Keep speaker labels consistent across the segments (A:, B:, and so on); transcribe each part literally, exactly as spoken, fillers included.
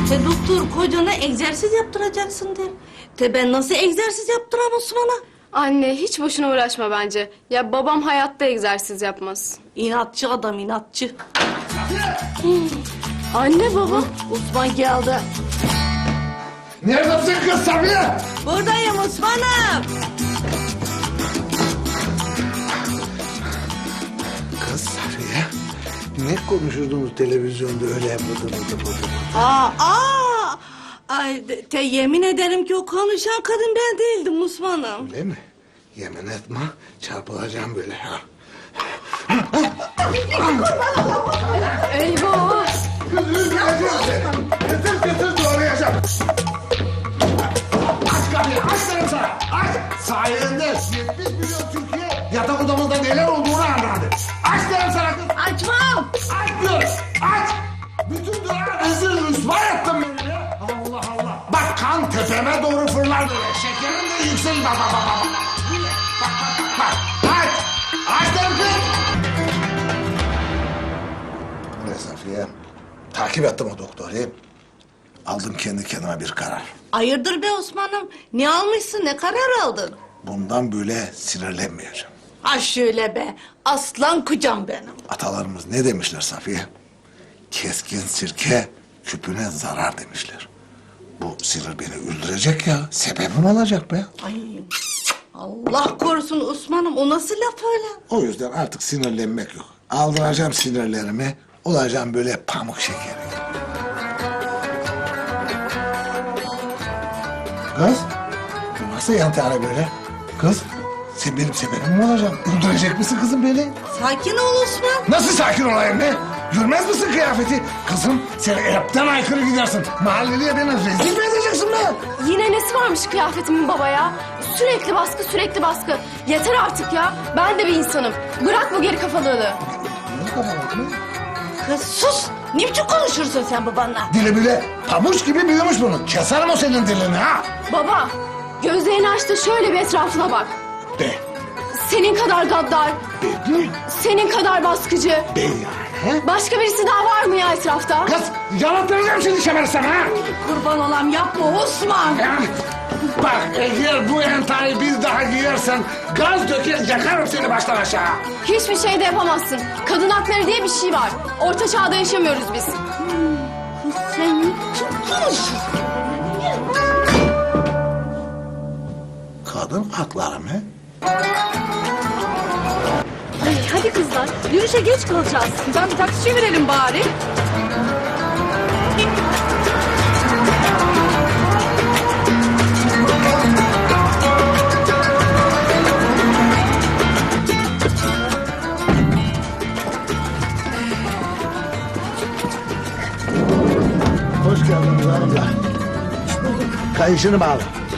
A: Te doktor kocana egzersiz yaptıracaksın der. Te ben nasıl egzersiz yaptıram Osman'a?
B: Anne hiç boşuna uğraşma bence. Ya babam hayatta egzersiz yapmaz.
A: İnatçı adam inatçı.
B: Anne baba.
A: Osman geldi.
C: Neredesin kız Safiye?
A: Buradayım Osman'ım.
C: Kız Safiye, ne konuşurdunuz televizyonda öyle bıdı bıdı bıdı?
A: Aa, aa. Ay, de- te yemin ederim ki o konuşan kadın ben değildim Osman'ım.
C: Öyle mi? Yemin etme, çarpılacağım böyle ha.
B: Eyvah.
C: Kız üzüleceğim seni. Getir getir doğrayacağım. Aç kapıyı, aç dedim sana. Aç. Sayende yetmiş milyon Türkiye yatak odamızda neler olduğunu anladı. Aç dedim sana kız.
A: Açmam.
C: Aç diyorum, aç. Bütün durağı rezil rüsva ettin beni ya. Allah Allah. Bak kan tepeme doğru fırlar böyle. Şekerim de yükselir. Bak bak bak bak. Bak bak bak. Aç. Aç dedim kız. Ne Safiye? Takip ettim o doktoru. Aldım kendi kendime bir karar.
A: Hayırdır be Osman'ım? Ne almışsın, ne karar aldın?
C: Bundan böyle sinirlenmeyeceğim.
A: Ha şöyle be, aslan kucam benim.
C: Atalarımız ne demişler Safiye? Keskin sirke küpüne zarar demişler. Bu sinir beni öldürecek ya. Sebebim olacak be.
A: Ay, Allah korusun Osman'ım, o nasıl laf öyle?
C: O yüzden artık sinirlenmek yok. Aldıracağım sinirlerimi, olacağım böyle pamuk şekeri. Kız, bu nasıl yantara böyle? Kız, sen benim sebebim mi olacaksın? Öldürecek misin kızım beni?
A: Sakin ol Osman.
C: Nasıl sakin olayım be? Görmez misin kıyafeti? Kızım, sen hepten aykırı gidersin. Mahalleliye beni rezil mi edeceksin be?
B: Yine nesi varmış kıyafetimin baba ya? Sürekli baskı sürekli baskı. Yeter artık ya. Ben de bir insanım. Bırak bu geri kafalığını.
C: Ne kafalar mı?
A: Kız sus. Ne biçim konuşursun sen babanla?
C: Dili bile pamuç gibi büyümüş bunun. Keserim o senin dilini ha.
B: Baba gözlerini aç da şöyle bir etrafına bak.
C: De.
B: Senin kadar gaddar,
C: Dedi.
B: senin kadar baskıcı.
C: De yani. He?
B: Başka birisi daha var mı ya etrafta?
C: Kız, yanıtlayacağım seni şemersem ha.
A: Kurban olam yapma Osman.
C: Ya, bak eğer bu entayı bir daha giyersen gaz döker yakarım seni baştan aşağı.
B: Hiçbir şey de yapamazsın. Kadın hakları diye bir şey var. Orta çağda yaşamıyoruz biz.
A: Kız sen ne biçim konuşuyorsun?
C: Kadın hakları mı?
D: Ay, hadi kızlar, yürüyüşe geç kalacağız. Ben bir taksi çevirelim bari.
C: Hoş geldiniz hanımlar. Kayışını bağla.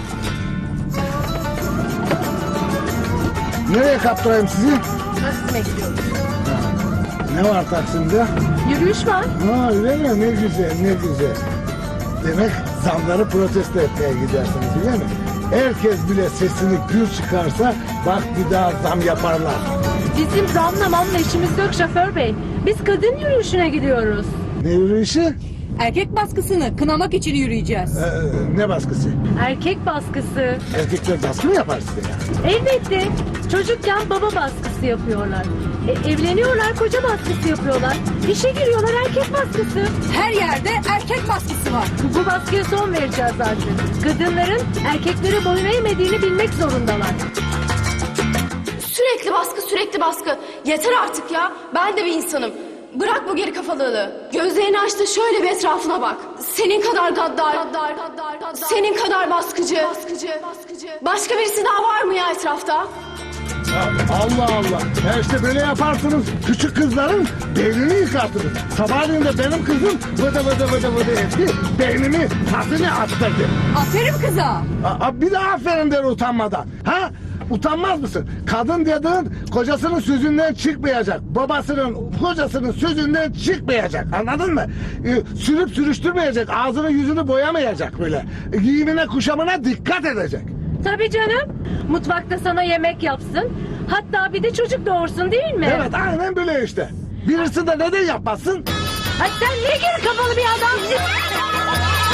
C: Nereye kaptırayım sizi?
D: Taksim'e gidiyoruz.
C: Ne var Taksim'de?
D: Yürüyüş var.
C: Ha öyle mi? Ne güzel, ne güzel. Demek zamları protesto etmeye gidersiniz öyle mi? Herkes bile sesini gür çıkarsa bak bir daha zam yaparlar.
D: Bizim zamla mamla işimiz yok şoför bey. Biz kadın yürüyüşüne gidiyoruz.
C: Ne yürüyüşü?
D: Erkek baskısını kınamak için yürüyeceğiz.
C: Ee, ne baskısı?
D: Erkek baskısı.
C: Erkekler baskı mı yapar size ya?
D: Elbette. Çocukken baba baskısı yapıyorlar. E, evleniyorlar koca baskısı yapıyorlar. İşe giriyorlar erkek baskısı. Her yerde erkek baskısı var. Bu baskıya son vereceğiz artık. Kadınların erkeklere boyun eğmediğini bilmek zorundalar.
B: Sürekli baskı sürekli baskı. Yeter artık ya. Ben de bir insanım. Bırak bu geri kafalığını. Gözlerini aç da şöyle bir etrafına bak. Senin kadar gaddar, senin kadar baskıcı. Başka birisi daha var mı ya etrafta?
C: Allah Allah. Ya işte böyle yaparsınız. Küçük kızların beynini yıkartırız. Sabahleyin de benim kızım vıdı vıdı vıdı vıdı etti. Beynimi tasını attırdı.
D: Aferin kıza.
C: Aa, bir de aferin der utanmadan. Ha? Utanmaz mısın? Kadın dediğin kocasının sözünden çıkmayacak. Babasının, kocasının sözünden çıkmayacak. Anladın mı? Ee, sürüp sürüştürmeyecek. Ağzını yüzünü boyamayacak böyle. Ee, giyimine kuşamına dikkat edecek.
D: Tabii canım. Mutfakta sana yemek yapsın. Hatta bir de çocuk doğursun değil mi?
C: Evet aynen böyle işte. Birisi de neden yapmasın?
D: Ay sen niye geri kafalı bir adamsın?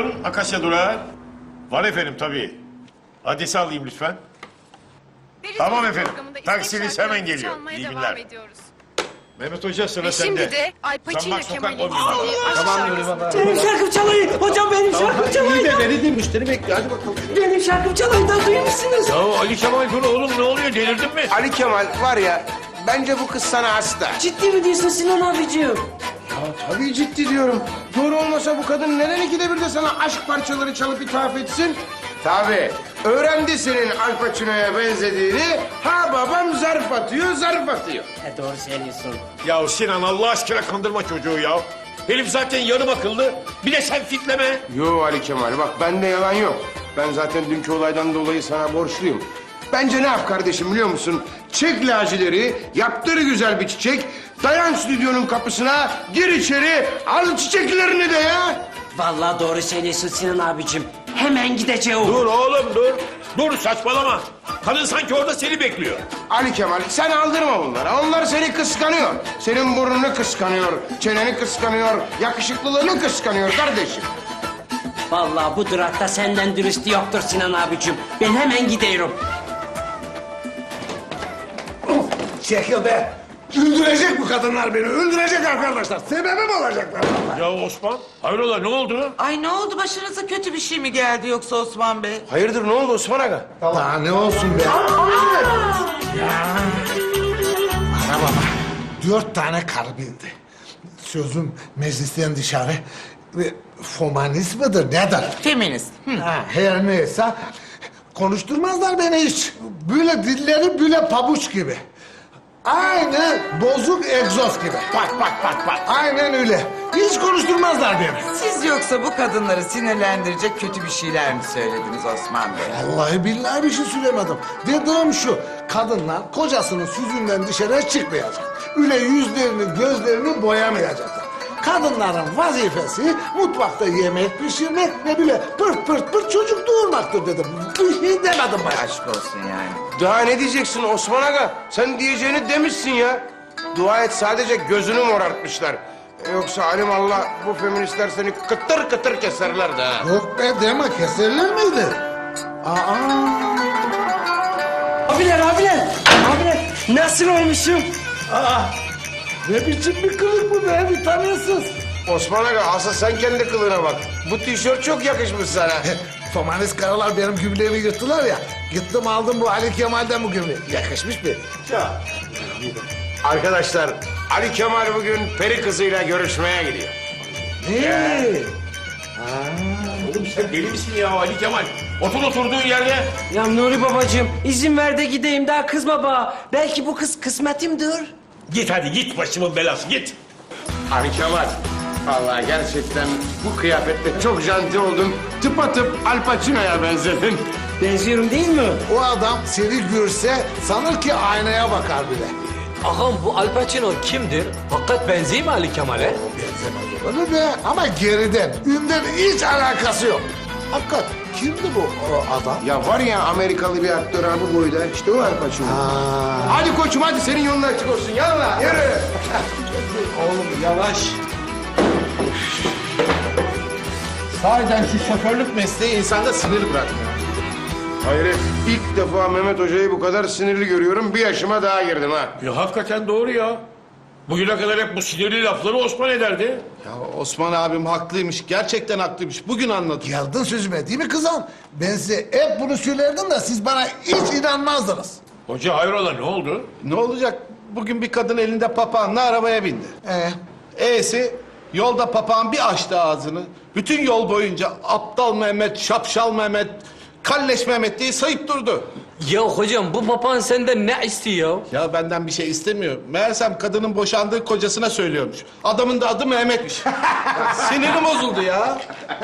E: Buyurun Akasya Durağı. Var efendim tabii. Adresi alayım lütfen. Tamam efendim. Taksiniz hemen geliyor. İyi günler. Mehmet Hoca sıra
F: Ve
E: sende.
F: şimdi de Al Pacino
E: Zambak Sokak
F: Kemal'in
E: on bir.
F: istediği aşk
E: Tamam
F: şarkısı.
E: Nuri baba.
G: Benim şarkım çalayım. Hocam benim şarkım çalayım.
H: İyi de beni de müşteri bekliyor. Hadi bakalım.
G: Benim şarkım çalayım da duyuyor musunuz?
E: Ya Ali Kemal dur oğlum ne oluyor delirdin mi?
H: Ali Kemal var ya, bence bu kız sana hasta.
G: Ciddi mi diyorsun Sinan abicim?
H: Ya tabii ciddi diyorum. Doğru olmasa bu kadın neden ikide bir de sana aşk parçaları çalıp ithaf etsin? Tabii. Öğrendi senin Al Pacino'ya benzediğini. Ha babam zarf atıyor, zarf atıyor.
G: E doğru söylüyorsun.
E: Ya Sinan Allah aşkına kandırma çocuğu ya. Herif zaten yarım akıllı. Bir de sen fitleme.
H: Yo Ali Kemal bak bende yalan yok. Ben zaten dünkü olaydan dolayı sana borçluyum. Bence ne yap kardeşim biliyor musun? Çek lacileri, yaptır güzel bir çiçek. Dayan stüdyonun kapısına, gir içeri, al çiçeklerini de ya.
G: Vallahi doğru söylüyorsun Sinan abicim. Hemen gideceğim.
E: Dur oğlum dur. Dur saçmalama. Kadın sanki orada seni bekliyor.
H: Ali Kemal sen aldırma bunlara. Onlar seni kıskanıyor. Senin burnunu kıskanıyor, çeneni kıskanıyor, yakışıklılığını kıskanıyor kardeşim.
G: Vallahi bu durakta senden dürüstü yoktur Sinan abicim. Ben hemen gidiyorum.
C: Çekil be. Öldürecek bu kadınlar beni. Öldürecek arkadaşlar. Sebebim olacaklar.
E: Ya Osman hayrola ne oldu?
I: Ay ne oldu başınıza kötü bir şey mi geldi yoksa Osman Bey?
H: Hayırdır ne oldu Osman Aga?
C: Daha ne olsun be. Ya. Ana baba. Dört tane karı bindi. Sözüm meclisten dışarı. Ve Fomanist mıdır nedir?
I: Feminist. Hı.
C: Ha, her neyse konuşturmazlar beni hiç. Böyle dilleri böyle pabuç gibi. Aynı bozuk egzoz gibi. Bak bak bak bak. Aynen öyle. Hiç konuşturmazlar beni.
I: Siz yoksa bu kadınları sinirlendirecek kötü bir şeyler mi söylediniz Osman Bey?
C: Vallahi billahi bir şey söylemedim. Dediğim şu. Kadınlar kocasının süzünden dışarı çıkmayacak. Öyle yüzlerini gözlerini boyamayacaklar. Kadınların vazifesi mutfakta yemek pişirmek ve bile pırt pırt pırt çocuk doğurmaktır dedim. Bir şey demedim ben.
I: Aşk olsun yani.
H: Daha ne diyeceksin Osman Aga? Sen diyeceğini demişsin ya. Dua et sadece gözünü morartmışlar. Yoksa alimallah bu feministler seni kıtır kıtır keserlerdi ha.
C: Yok be deme keserler miydi? Aa.
G: Abiler abiler. Abiler nasıl olmuşum?
C: Ne biçim bir kılık bu be bir tanıyorsunuz.
H: Osman Aga asıl sen kendi kılığına bak. Bu tişört çok yakışmış sana.
C: Fomanist karılar benim gübreğimi yırttılar ya. Gittim aldım bu Ali Kemal'den bu gübreği. Yakışmış bir.
H: Arkadaşlar Ali Kemal bugün peri kızıyla görüşmeye gidiyor.
C: Ne?
E: Oğlum sen deli misin ya Ali Kemal? Otur oturduğun yerde.
G: Ya Nuri babacığım izin ver de gideyim daha kızma bana. Belki bu kız kısmetimdir.
E: Git hadi git başımın belası git.
H: Ali Kemal. Vallahi gerçekten bu kıyafetle çok janti oldun. Tıpatıp Al Pacino'ya benzedin.
G: Benziyorum değil mi?
C: O adam seni görse sanır ki aynaya bakar bile.
J: Ağam bu Al Pacino kimdir? Hakikat benziyor mu Ali Kemal'e?
C: Benzemez olur be ama geriden. Ünden hiç alakası yok. Hakikat kimdi bu o adam?
H: Ya var ya Amerikalı bir aktör ha bu boyda. İşte o Al Pacino. Hadi koçum hadi senin yolun açık olsun. Yallah yürü.
J: Oğlum yavaş.
H: Sahiden şu şoförlük mesleği insanda sinir bırakmıyor. Hayret ilk defa Mehmet Hoca'yı bu kadar sinirli görüyorum. Bir yaşıma daha girdim ha.
E: Ya hakikaten doğru ya. Bugüne kadar hep bu sinirli lafları Osman ederdi.
K: Ya Osman abim haklıymış. Gerçekten haklıymış. Bugün anladım.
C: Geldin sözüme değil mi kızım? Ben size hep bunu söylerdim de siz bana hiç inanmazdınız.
E: Hoca hayrola ne oldu?
K: Ne olacak? Bugün bir kadın elinde papağanla arabaya bindi.
C: Ee,
K: E'si yolda papağan bir açtı ağzını. Bütün yol boyunca aptal Mehmet, şapşal Mehmet, kalleş Mehmet diye sayıp durdu.
J: Ya hocam bu papağan senden ne istiyor?
K: Ya benden bir şey istemiyor. Meğersem kadının boşandığı kocasına söylüyormuş. Adamın da adı Mehmet'miş. Sinirim bozuldu ya.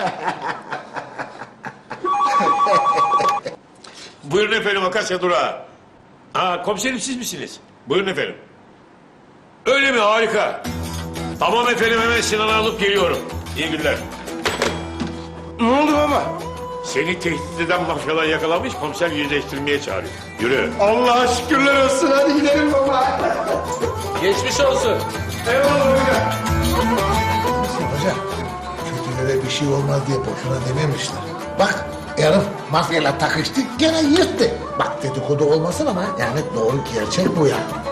E: Buyurun efendim Akasya Durağı. Aa komiserim siz misiniz? Buyurun efendim. Öyle mi harika. Tamam efendim hemen Sinan'ı alıp geliyorum. İyi günler.
H: Ne oldu baba?
E: Seni tehdit eden mafyalar yakalamış komiser yüzleştirmeye çağırıyor. Yürü.
H: Allah'a şükürler olsun hadi gidelim baba.
J: Geçmiş olsun.
H: Eyvallah hocam.
C: Hoca kötülere bir şey olmaz diye boşuna dememişler. Bak herif mafyayla takıştı gene yırttı. Bak dedikodu olmasın ama yani doğru gerçek bu ya.